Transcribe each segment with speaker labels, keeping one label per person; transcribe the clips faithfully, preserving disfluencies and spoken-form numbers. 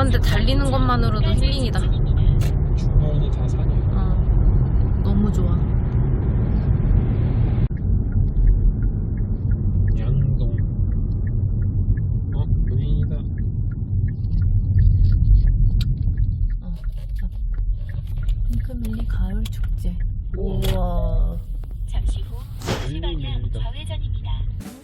Speaker 1: 이런데 달리는 것만으로도 힐링이다.
Speaker 2: 주변이 다 산이야.
Speaker 1: 어, 너무 좋아.
Speaker 2: 양동. 어, 본인이다.
Speaker 1: 어, 핑크밀리 가을 축제. 우와.
Speaker 3: 잠시 후 시방향
Speaker 2: 밀리밀리다.
Speaker 3: 좌회전입니다.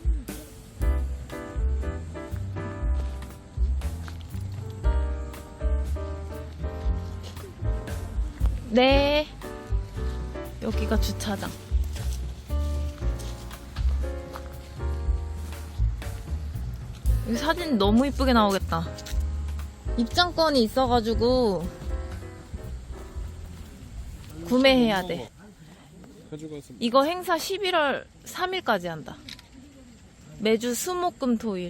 Speaker 1: 네. 여기가 주차장. 여기 사진 너무 이쁘게 나오겠다. 입장권이 있어가지고 구매해야 돼.
Speaker 2: 가져가서
Speaker 1: 이거 행사 십일월 삼일까지 한다. 매주 수, 목, 금, 토일.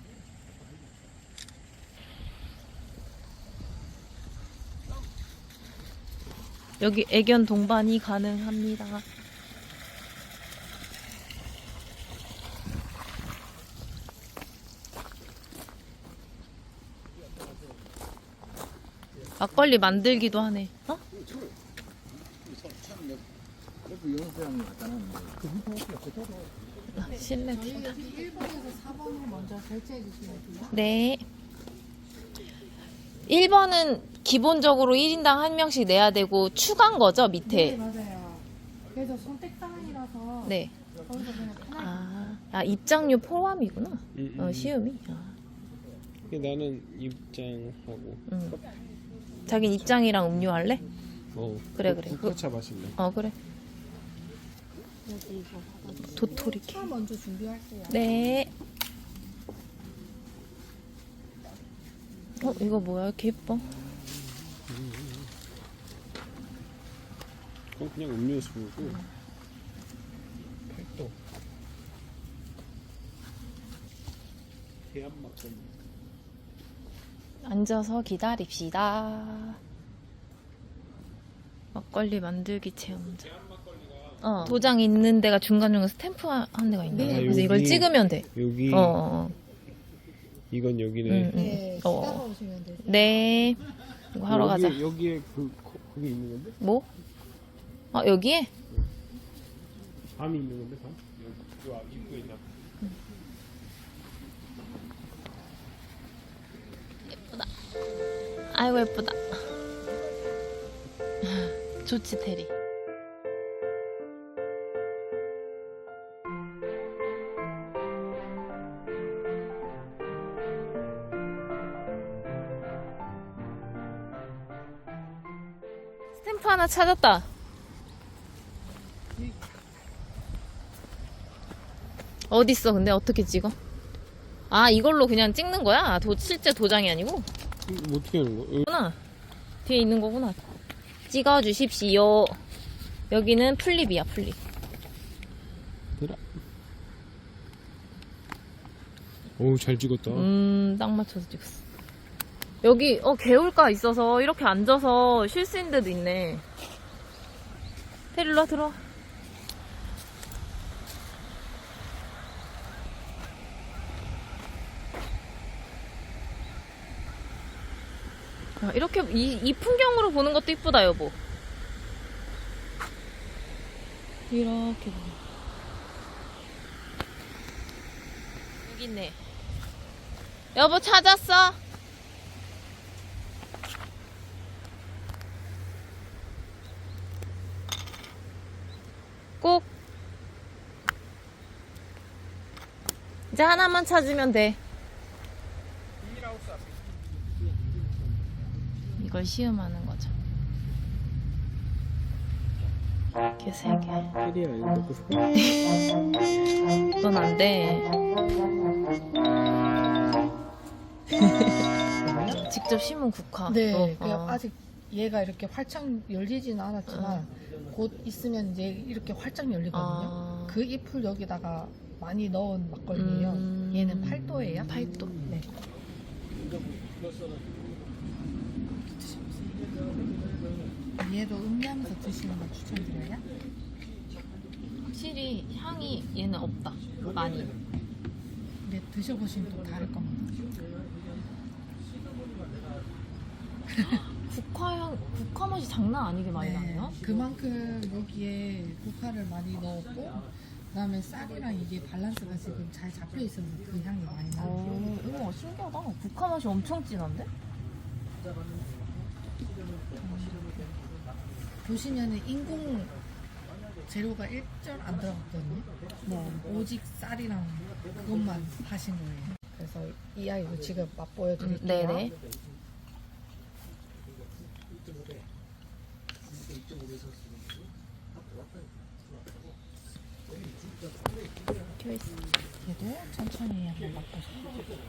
Speaker 1: 여기 애견 동반이 가능합니다. 막걸리 만들기도 하네. 어? 아, 실내 틴다.
Speaker 4: 일 번에서 사 번을 먼저 결제해 주시면 돼요.
Speaker 1: 네. 일 번은 기본적으로 일 인당 한 명씩 내야 되고 추가인 거죠,
Speaker 4: 네,
Speaker 1: 밑에?
Speaker 4: 맞아요. 그래서 선택 사항이라서
Speaker 1: 네.
Speaker 4: 거기서 그냥 편하게.
Speaker 1: 아, 아 입장료 포함이구나.
Speaker 2: 음, 음.
Speaker 1: 어, 시음이. 아,
Speaker 2: 나는 입장하고.
Speaker 1: 음. 자긴 입장이랑 음료 할래?
Speaker 2: 어.
Speaker 1: 그래, 그래.
Speaker 2: 국화차 마실래?
Speaker 1: 어, 그래.
Speaker 4: 여기 이거
Speaker 1: 도토리 케.
Speaker 4: 차 먼저 준비할게요.
Speaker 1: 네. 어, 이거 뭐야? 이렇게 예뻐.
Speaker 2: 어, 그냥 음료수고. 팔도. 대한 막걸리.
Speaker 1: 앉아서 기다립시다. 막걸리 만들기 체험장. 어, 도장 있는 데가 중간중간 스탬프 한 데가 있네.
Speaker 4: 네.
Speaker 1: 그래서
Speaker 2: 아,
Speaker 1: 이걸
Speaker 2: 여기.
Speaker 1: 찍으면 돼.
Speaker 2: 여기.
Speaker 1: 어, 어, 어.
Speaker 2: 이건 여기네.
Speaker 1: 응, 응.
Speaker 4: 네,
Speaker 1: 어.
Speaker 4: 시다가 오시면 돼요.
Speaker 1: 네. 이거 하러
Speaker 2: 여기,
Speaker 1: 가자.
Speaker 2: 여기에 그, 거- 거기 있는 건데?
Speaker 1: 뭐? 아, 여기에?
Speaker 2: 밤이 있는 건데, 밤? 여기, 요 앞 입구에 있나?
Speaker 1: 아이고, 예쁘다. 좋지, 테리. 스탬프 하나 찾았다. 어딨어? 근데 어떻게 찍어? 아, 이걸로 그냥 찍는 거야? 도, 실제 도장이 아니고?
Speaker 2: 이거 어떻게 하는 거야?
Speaker 1: 구나. 뒤에 있는 거구나. 찍어주십시오. 여기는 플립이야, 플립.
Speaker 2: 들어. 오우, 잘 찍었다.
Speaker 1: 음, 딱 맞춰서 찍었어. 여기, 어, 개울가 있어서 이렇게 앉아서 쉴 수 있는 데도 있네. 테릴라 들어와. 야, 이렇게, 이, 이 풍경으로 보는 것도 이쁘다, 여보. 이렇게 보면. 여기 있네. 여보, 찾았어? 꼭. 이제 하나만 찾으면 돼. 이걸 시음하는 거죠. 이렇게 세 개.
Speaker 2: 테리야, 이거 먹고 싶어?
Speaker 1: 넌 안 돼. 직접 심은 국화.
Speaker 4: 네,
Speaker 1: 어,
Speaker 4: 그냥
Speaker 1: 어.
Speaker 4: 아직 얘가 이렇게 활짝 열리지는 않았지만 곧 있으면 이제 이렇게 활짝 열리거든요.
Speaker 1: 아.
Speaker 4: 그 잎을 여기다가 많이 넣은 막걸리예요.
Speaker 1: 음.
Speaker 4: 얘는 팔도예요.
Speaker 1: 팔도.
Speaker 4: 네. 얘도 음미하면서 드시는 걸 추천드려요.
Speaker 1: 확실히 향이 얘는 없다. 많이.
Speaker 4: 근데 드셔보시면 또 다를 겁니다.
Speaker 1: 국화향, 국화 맛이 장난 아니게 많이
Speaker 4: 네,
Speaker 1: 나네요.
Speaker 4: 그만큼 여기에 국화를 많이 넣었고 그다음에 쌀이랑 이게 밸런스가 지금 잘 잡혀 있어서 그 향이 많이 나요.
Speaker 1: 어, 우와, 신기하다. 국화 맛이 엄청 진한데?
Speaker 4: 보시면은 인공 재료가 일절 안 들어갔거든요.
Speaker 1: 네.
Speaker 4: 오직 쌀이랑 그것만 하신 거예요. 그래서 이 아이도 지금 맛보여
Speaker 1: 음,
Speaker 4: 드릴게요.
Speaker 1: 네네.
Speaker 4: 얘도 천천히 한번 맛보세요.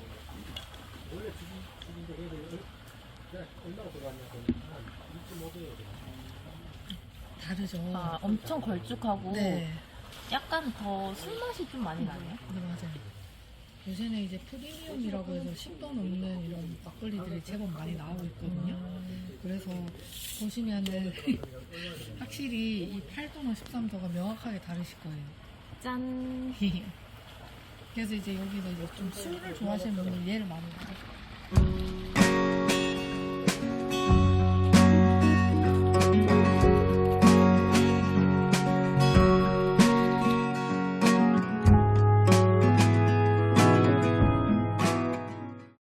Speaker 4: 다르죠?
Speaker 1: 아, 엄청 걸쭉하고
Speaker 4: 네.
Speaker 1: 약간 더 술맛이 좀 많이 나네요.
Speaker 4: 네, 맞아요. 요새는 이제 프리미엄이라고 해서 십 도 넘는 이런 막걸리들이 제법 많이 나오고 있거든요. 그래서 보시면은 확실히 이 팔 도나 십삼 도가 명확하게 다르실 거예요.
Speaker 1: 짠.
Speaker 4: 그래서 이제 여기서 이제 좀 술을 좋아하시는 분들 얘를 많이 먹어요.